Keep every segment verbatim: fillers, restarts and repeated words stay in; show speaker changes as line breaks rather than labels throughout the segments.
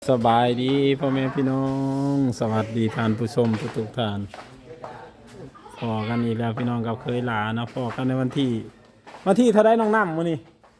สบายดีพ่อแม่พี่น้องสวัสดีท่านผู้ชมทุกๆท่านพอกันอีกแล้วพี่น้องกับเคยหลานะพอกันในวันที่วันที่เท่าไรน้องน้ำมื้อนี้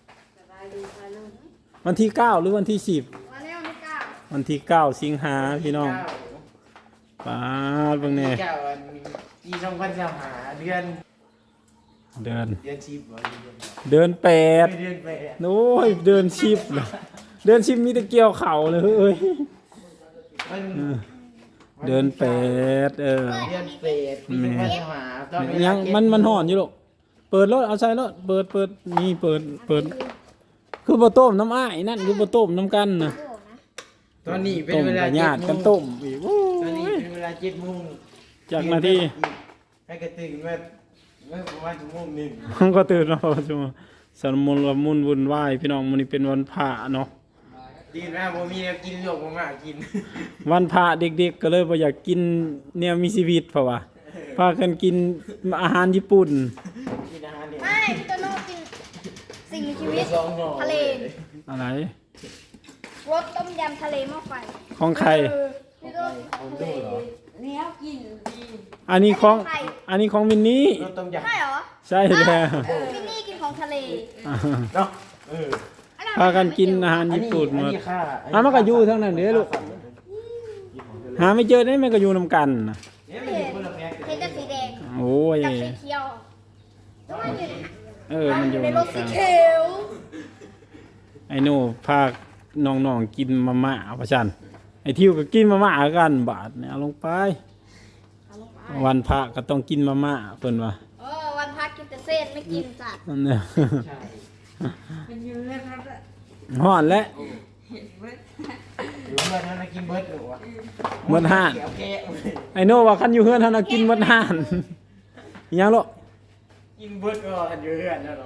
วันที่เก้าหรือวันที่สิบ
วันนี้วันที่เก้า
วันที่เก้าสิงหาพี่น้องป้าดเบิ่งแน่
เก้าวันปีสองพันสามหาเดือน
เดิน
เดือนสิบเหรอ
เดินแปด
เดือนแปด
โอ้ยเดินชิบเลยเดินชิบมีแต่เกี่ยวเข่าเลยเอ้ย
มัน
เดินแปดเออ
เดือนแปดปีสองพันสามหาตอนเวลา
ยัง
เก็บ
มันมันห่อนอยู่ลูกเปิดรถเอาใส่รถเปิดเปิดนี่เปิดเปิดคือบ่ต้มน้ำอ้ายนั่นคือบ่ต้มน้ำกันนะ
ตอนนี้เป็น
ต้ม
เวลา
กับ
เจ็
ญา
ด
ติ
โม
กัน
ง
ต้มอีกโอ้
ตอนนี้
ย
เป็นเวลาเจ็ดโมง
จากนาที
ให้กระตื่นมาเมื่อประมาณชั่วโมงหนึ่ง
มันก็ตื่นมาพอชั่วโมงสนมุนละมุนวุ่นวายพี่น้องมื้อนี้เป็นวันพระเนาะ
ดีนะผมมีแนวกินหลวกมากิน
วันพระเด็กๆก็เลยบ่อยากกินแนวมีชีวิตเพราะว่าพากันกินอาหารญี่ปุ่น
กินอาหารเนี่ย
ไม่พี่โตโน่กินสิ่งมีชีวิต
สองห่อ
ทะเล
อะไร
รสต้มยำทะเลหม้อไฟ
ของใคร
เออพี่โต
ผมดูเหรอ
เนี้ยกินดี
อันนี้ของอันนี้ของมินนี่
รสต้มยำ
ใช่เหรอ
ใช่แล้ว
เออพี่นี่กินของทะเล
เนาะเออ
อันนั้น
พากันกินอาหารญี่ปุ่นหม
อั
ด
นี้ค่า
อ่ะมันก็อยู่ทั้งนั้นเด้อลูก หาไม่เจอได้มันก็อยู่นำกันน่ะ
เนี่ยมันอยู่คนละแพ็ค
เห็นแต่สีแดง
โอ้ย
กับสีเขียวแล้วมันอยู่
เออมันอยู่
ใน
นำ
ร
กั
สสี
น
เขียว
ไอ้หนูพาน้องๆกินมาม่าประชันไอ้ทิวก็กินมาม่ากันบาทเนี่ยเอาลงไป
เอาลงไป
วันพระก็ต้องกินมาม่าเพิ่นว่า
เออวันพักกินแต่เส้นไม่กินสัตว์
นั่นเนี่ย
ใช่
ฮ้อนแล้ว
หรือว่าเมื่อนั้นกินเบิร์ดหรือวะ
หมดห้าน
เดี๋ยวแกะ
ไอ้หนูว่าคันอยู่เฮือนเฮาน่ะกินหมดห้านอิหยังลูก
กินเบิร์ดก็ทันอยู่เรื่อนนะเรา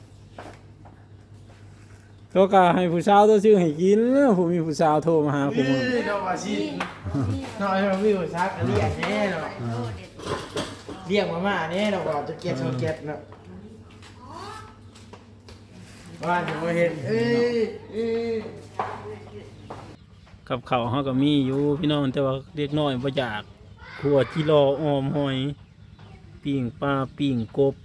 ตัวก็ให้ผู้สาวตัวชื่อให้กินผู้มีผู้สาวโทรมาหา
เฮ้
ผู้
ยเราว่าชิน้อยเราวิวซักเรียกแน่เนาะเรียกมาม่าแน่เราว่าจะเก็บโซเก็ตเนาะว่าจะมาเห็นเอ้ยเอ้ย
กับข้าวเฮาก็มีอยู่พี่น้องแต่ว่าเด็กน้อยบ่อยากขัวจิรอออมหอยปิ้งปลาปิ้งกบ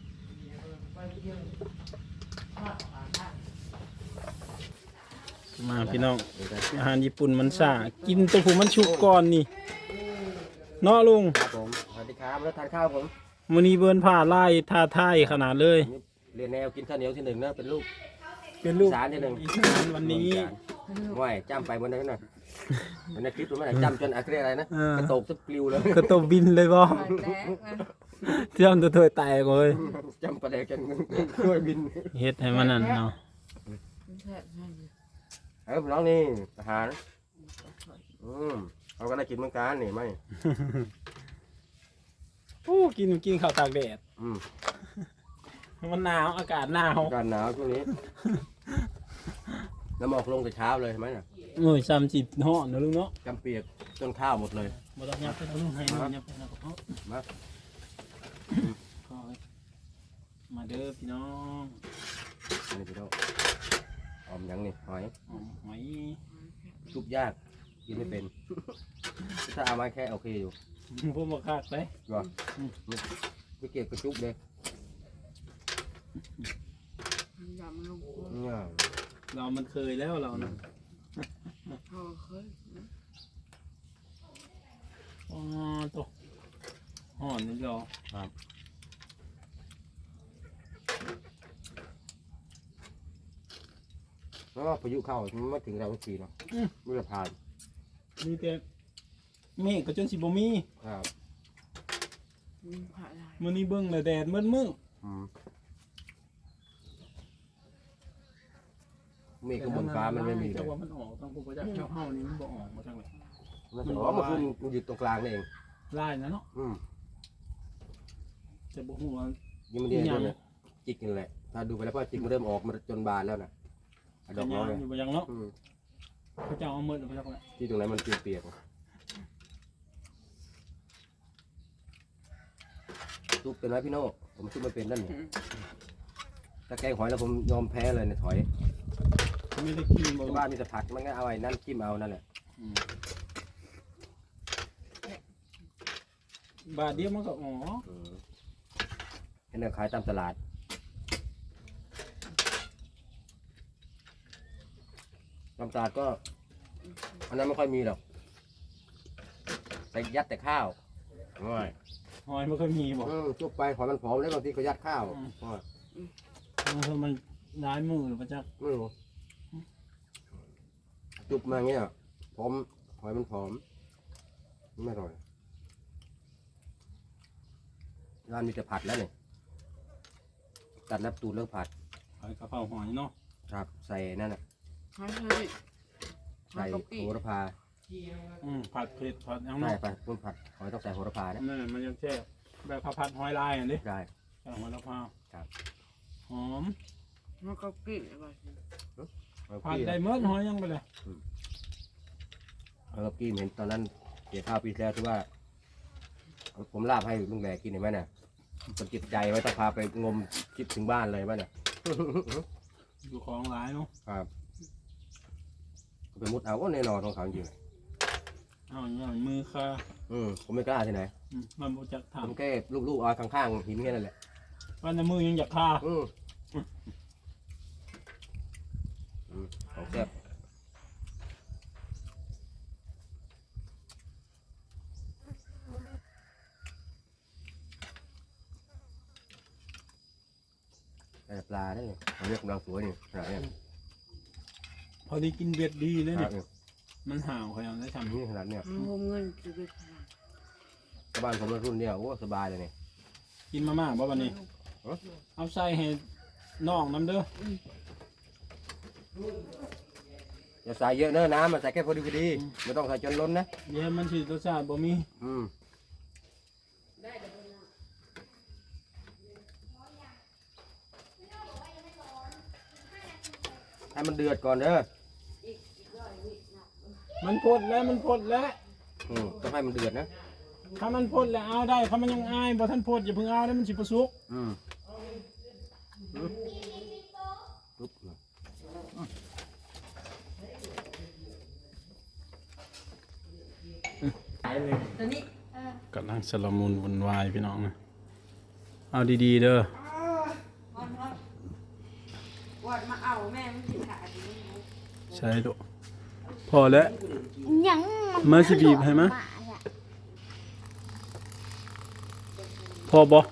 มาพี่น้องอาหารญี่ปุ่นมันซ่ากินตัวผู้มันชุกก่อนนี่เนาะลุง
ครับผมสวัสดีครับแล้วทานข้าวผม
มื้อนี้เบิ่นผ้าลายท่าทายขนาดเลย
เรียนแนวกินข้าวเหนียวที่หนึ่งเนอะเป็นลูก
เป็นลูก
อีสานที่หนึ่ง
อีสานวันนี้
ห่วยจ้ำไปบนนั้นน่ะมันในคลิปรู้ไหมน่ะจ้ำจนอะไรอะไรนะ
เออ
กระโตกสักปลิวเลย
ก็ต้องบินเลยบ่เตรียมตัวถ้วยแตกเลย
จ้ำประเดี๋ยวจนช่วยบิน
เฮ็ดให้มันนั่นเนาะ
เออน้องนี่อาหารอืมเขาก็ได้กินเหมือนกันนี่ไหม
โอ้กินกินข้าวตากแดด
อืม
มันหนาวอากาศหนาว
อากาศหนาวช่วงนี้น้ำหมอกลงแต่เช้าเลยเห็นไหมน่ะ
โอ้ยซ้ำจิตฮ้อนเนาะลุงเนาะ
จำเปียกจนข้าวหมดเลย
บ่ต้องยับไปทางลุงให้หน่อยยับไปทางกระเพาะ
มา
ขอมาเด้อพี่น้อง
อันนี้พี่โตหอมยังนี่หอย
หอมหอย
ชุบยากกินไม่เป็น ถ้าเอามาแค่โอเคอยู่
พวกบ่คักเลย
ก็ไม่เกี่ยวกับชุบเลยเนี่ย
เรามันเคยแล้วเรานะอ๋อตัวห่อนนี่ดอก
แล้วก็พายุเข้ามันไม่ถึงเราสักทีเนาะไม่ได้ผ่าน
มีแต่เมฆก็จนสิบ่มี
ครับ
มื้อนี้เบิ่งแล้วแดดมืดมึง
อืมเมฆข้างบนฟ้ามันไม่มีเล
แต่
ย
ว่ามันออกทางพวกเจ้าเจ้าเฮานี่มันบ่ออกมาทางไหน
มันจะอ๋อมันคือมันอยู่ตรงกลางนี่เอง
ลายนะเนาะ
อืม
แต่บ่ฮู้ว่า
ยังไม่ได้ดูเลยจิกนี่แหละ ถ้าดูไปแล้วก็จิกมันเริ่มออกมาจนบานแล้วนะอ่ะดอกน้อย
อยู่บ่ยังเนาะ
อืม
เขาเจ้าเอามืดเอาไปจักแล้ว
ที่ตรงไหนมันเปียกๆซุปเป็นไหมพี่โน่ผมซุปไม่เป็นนั่นนี่ถ้าแกงหอยแล้วผมยอมแพ้เลยในถอย
ไม่ได้กินบ่
บ้านมีแต่ผักมันก็เอาไอ้นั่นจิ้มเอานั่นแหละ
บาทเดียวมันก็อ๋อ
อืมเห็นเดินขายตามตลาดตามตลาดก็อันนั้นไม่ค่อยมีหรอกใส่ยัดแต่ข้าวง่าย
หอยมันก็มีบอก
อืมจุบไปหอยมันผอมแล้วบางทีเขายัดข้าว
อืม
ง่าย
เพราะมันร้ายมือหรือเปล่าจ๊ะ
ไม่รู้จุบมาอย่างเงี้ยผอมหอยมันผอมไม่อร่อยร้านมีแต่ผัดแล้วเนี่ยตัดแล้วตูดเลิกผัด
หอยกระเพราหอยเนาะ
ครับใส่นั่นน่ะ
หอยเชอรี่
ใส่โหระพา
อืมผัดเผ็ดผัดยัง
ใช่
เนาะ
ไปพุ่นผัดหอยต้องใส่โหระพานะ
นั่นน่ะมันยังแช่แบบข้าวผัดหอยลายอันนี้
ได้
ใส่หอยละพา
ครับ
หอม
มันก็กลิ่นอะไร
เอา
ผัด
กี้
ได้เมื่อหอยยังไปเลย
เอากี้เห็นตอนนั้นเกี่ยวข้าวปีที่แล้วที่ว่า ผมลาบให้ลุงแหลกกินเห็นไหมเนี่ยผมจิตใจไว้ต้องพาไปงมคิดถึงบ้านเลยไหมเนี่ย
อยู่ของหลายเนาะ
ครับไปมุดเอาก็แน่นอนของเขาจริง
เอาอย่างนี้มือค่ะ
ๆอืมผมไม่กล้าที่ไหน
อืมมันบ่จัก
ผม
ทำ
แค่ลูบๆเอาข้างๆหินแค่นั้นแหละ
วันในมือยังอยากฆ่า
อืมอืมของแซ่บแต่ปลาได้เนี่ยเขาเรียกกำลังสวยนี่ขนาดเนี้ย
พอดีกินเบ็ดดีเลย
ข
เนี่
นาด
ย
เนี้ย
มันห่าวเขายังได้ทำ
นี่ขนาดเนี้ย
มันรวมเงินชีวิต
ชาวบ้านผมรุ่นเนี้ยโอ้สบายเลยเนี่ย
กินมาม่าบ่วันนี้
เอ้า
เอาใส่ให้น้องน้ำเด้อ
อย่าใส่เยอะเนอะน้ำมันใส่แค่พอดีพอดีไม่ต้องใส่จนล้นนะ
เดี๋ยวมันสิรสชาติบ่มี
อืมให้มันเดือดก่อนเด้อ
มันพดแล้วมันพดแล้ว
อืมต้องให้มันเดือดนะ
ถ้ามันพดแล้วเอาได้ถ้ามันยังอายบ่ทันพดอย่าเพิ่งเอาได้มันสิประสุก
อืมอืมปุ๊บ
ตอนนี้
กำลังสลมุนวุ่นวายพี่น้องนะเอาดีๆเด้อ
วันวันวันมาเอาแม่มันสิขาดอยู่
ใช่ดูพอแล้ว
ยัง
มาสิบีบให้มะ พอบ่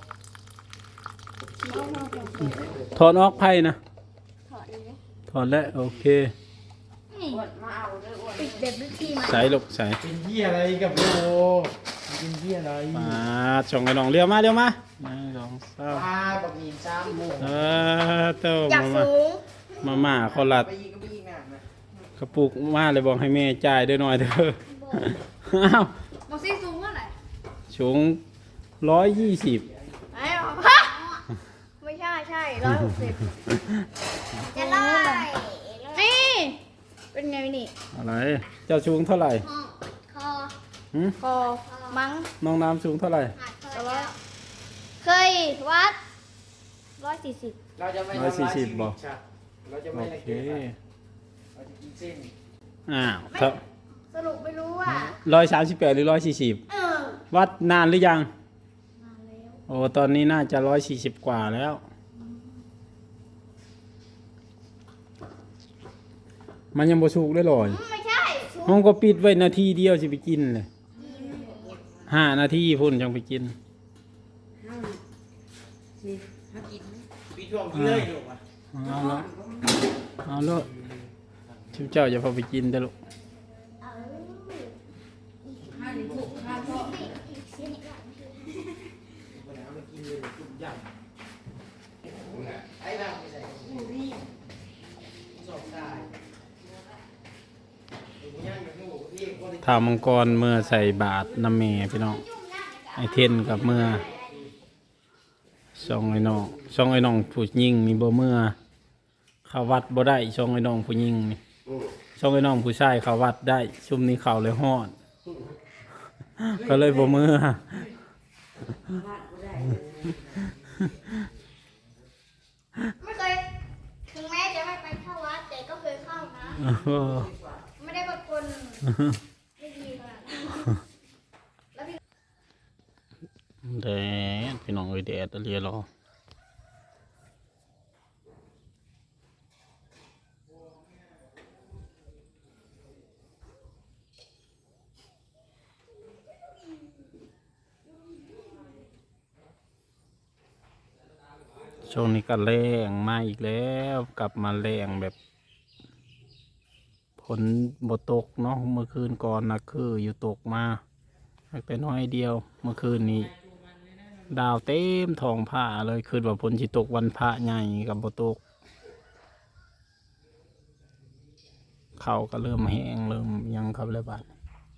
ถอดออกไผ่นะ
ถอดเลย
ถอดแล้วโอเค
นี่
วันมาเอาเลยวัน
ปิดเด็ดวิธีมา
ใส่ลูกใส่
เป็นเหี้ยอะไรกับโลเป็นเหี้ยอะไร
มาส่งไอ้น้องเรียวมาเรียวมาหนึ่งสองสาม
ปลาบักหมี่ซ้ำหมู
เออเต้า
อยาก
มา
สูง
มาม่าเขาลัด
ไปยิงก็ไปยิงน่ะนะ
กระปุกมาเลยบอกให้แม่จ่ายด้วยหน่อยเด้ออ้าว
บอกซี่สูงเท่าไหร่
สูงร้อยยี่สิบ
ไอ้หรอฮะไม่ใช่ใช่ร้อยหกสิบจะได้นี่ เป็นไงนี่
อะไรเจ้าสูงเท่าไหร่
ห้องคอ
หืม
คอมั้ง
น้องน้ำสูงเท่าไหร่
แต่ว่าเคยวัดร้อยสี่สิบ
เราจะไม่
ร้อยสี่
ทำร้าย
สิ
ชี
บ
วิต
บ่
สัตว์เราจะ
โอ
ไม่ละ
เค
เกียจเราจะกินเส้น
อ้าวครับ
สรุปไม่รู้ว่า
ร้อยสามสิบแปดหรือร้อยสี่สิบ
เออ
วัดนานหรือยัง
มาแล้ว
โอ้ตอนนี้น่าจะร้อยสี่สิบกว่าแล้ว มันยังบ่สุกได้หรอย
ไม่ใช่สูง
ห้องก็ปิดไว้นาทีเดียวสิไปกินเลยห้านาทีพุ่นจังไปกิน
นี่มากิน
ปีช่วงที่เลยอยู่อ่ะ
เอาละเอาละชิมเจ้าอย่าพอไปกินเด้อลูก
ห้าหนึ่งหกห้าพ่อ
วันนั้นมากินเลยจุ่มยำไอ้บ้างไม่ใส่สองตายไอ้ย่างกับหนูพี่คนที่
ถามังกรเมื่อใส่บาทน้ำเมพี่น้องไอเทนกับเมื่อช่องไอ้น้องช่องไอ้น้องผู้ยิงนี่บ่เมื่อเขาวัดบ่ได้ช่องไอ้น้องผู้ยิงนี่ช่องไอ้น้องผู้ชายเขาวัดได้ชุมนี้เขาเลยฮอด ก็เลยบ่เมื่อ
ไม่เคยถึงแม้จะไม่ไปเข้าวัดแต่ก็เคยเข้านะ ไม่ได้เป็นคนไม่ดีขนาดนั้น
แดดพี่น้องเอ้ยแดดเรียรอช่วงนี้ก็แรงมาอีกแล้วกลับมาแรงแบบฝนบ่ตกเนาะเมื่อคืนก่อนนะคืออยู่ตกมาแต่น้อยเดียวเมื่อคืนนี้ ดาวเต็มท้องผ้าเลยคืนว่าฝนสิตกวันพระใหญ่กับบ่ตกเขาก็เริ่มแห้งเริ่มยังครับเลยบาด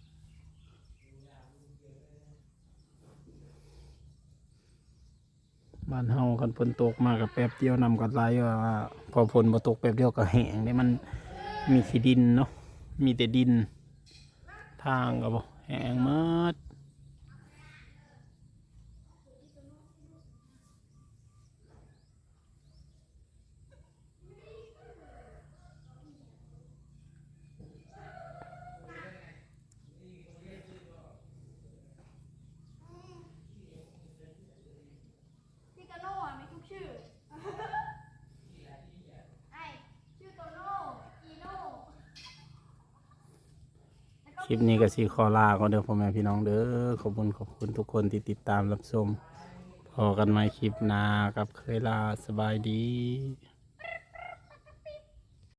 บ้านเฮาคันฝนตกมากับแป๊บเดียวนำกันไหลว่าพอฝนบ่ตกแป๊บเดียวก็แห้งได้มันมีขี้ดินเนาะมีแต่ดินทางก็บ่แห้งหมด
พี่โตโน่อะมีทุกชื่อ ไอชื่อโตโน่อีโน่แล้วก็
คลิปนี้ก็สิขอลาก่อนเด้อพ่อแม่พี่น้องเด้อขอบคุณขอบคุณทุกคนที่ติดตามรับชมพอกันใหม่คลิปหน้ากับเคยลาสบายดี